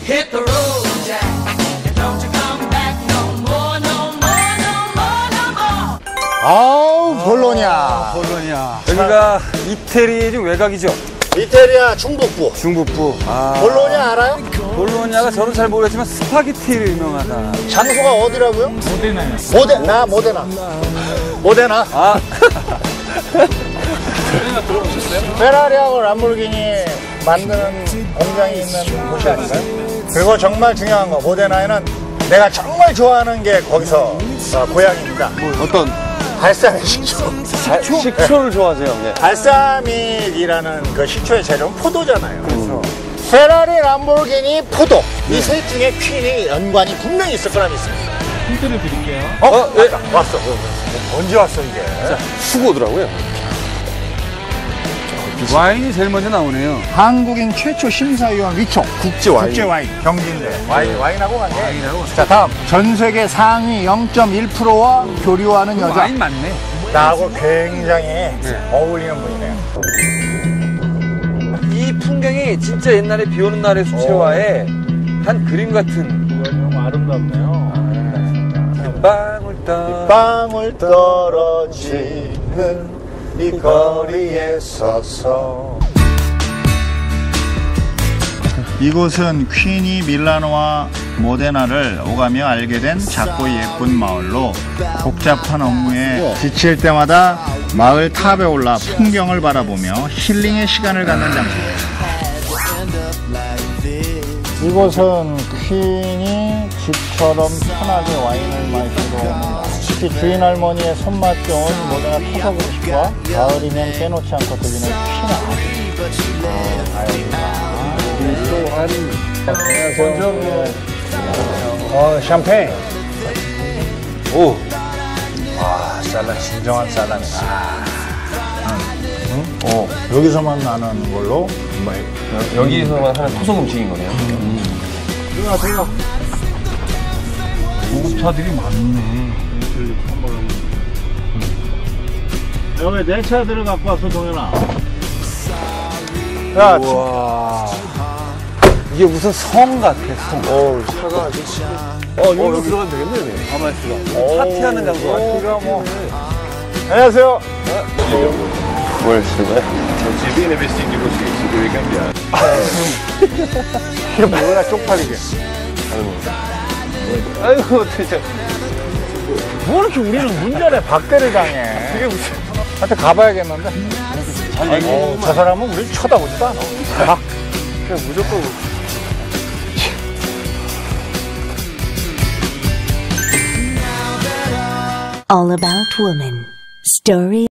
Hit the road, Jack, and don't you come back no more, no more, no more, no more. 아우, 볼로냐. 볼로냐. 여기가 이태리 중 외곽이죠? 이태리아 중북부. 중북부. 볼로냐 알아요? 볼로냐가 저는 잘 모르겠지만 스파게티를 유명하다. 장소가 어디라고요? 모데나. 모데나. 아. 페라리하고 람보르기니 만드는 공장이 있는 곳이 아닌가요? 그리고 정말 중요한 거, 모데나에는 내가 정말 좋아하는 게 거기서 고향입니다. 어떤 발사믹 식초. 식초를 좋아하세요? 네. 발사믹이라는 그 식초의 재료는 포도잖아요. 그렇죠. 페라리, 람보르기니, 포도. 이 셋 중에 퀸이 연관이 분명히 있을 거라 믿습니다. 힌트를 드릴게요. 네. 왔어. 언제 왔어, 이게? 수고더라고요. 와인이 제일 먼저 나오네요. 한국인 최초 심사위원 위촉. 국제 와인. 경진대. 와인하고 관계. 자, 다음. 전 세계 상위 0.1%와 교류하는 여자. 와인 맞네. 나하고 굉장히 어울리는 분이네요. 이 풍경이 진짜 옛날에 비 오는 날의 수채화에 한 그림 같은. 너무 아름답네요. 방울 떨어지는 이 거리에 서서. 이곳은 퀸이 밀라노와 모데나를 오가며 알게 된 작고 예쁜 마을로 복잡한 업무에 지칠 때마다 마을 탑에 올라 풍경을 바라보며 힐링의 시간을 갖는 장소입니다. 이곳은 퀸이 집처럼 편하게 와인을 마시러 옵니다. 특히 주인 할머니의 손맛 좋은 모데나 토사구리식과 가을이면 빼놓지 않고 들리는 퀸 안녕하세요. 샴페인. 오. 와, 살람, 진정한 살람이다. 여기서만 나는 걸로. 여기서만 하는 토속 음식인 거네요. 들어가. 고급차들이 많네. 여기 내 차들을 갖고 왔어, 동현아. 야, 우와. 이게 무슨 성 같아, 성. 차가 아주. 여기로 들어가면 되겠네. 가만있어. 파티하는 장소 같아. 여기가 뭐. 안녕하세요. 뭘 쓰는 거야? 이게 뭐야, 쪽팔리게. 아이고, 진짜. 뭐 이렇게 우리는 문전에 박대를 당해. 이게 무슨. 한테 가봐야겠는데. 저 사람은 우리 쳐다보지도 않아. 그냥 무조건. All About Woman. Story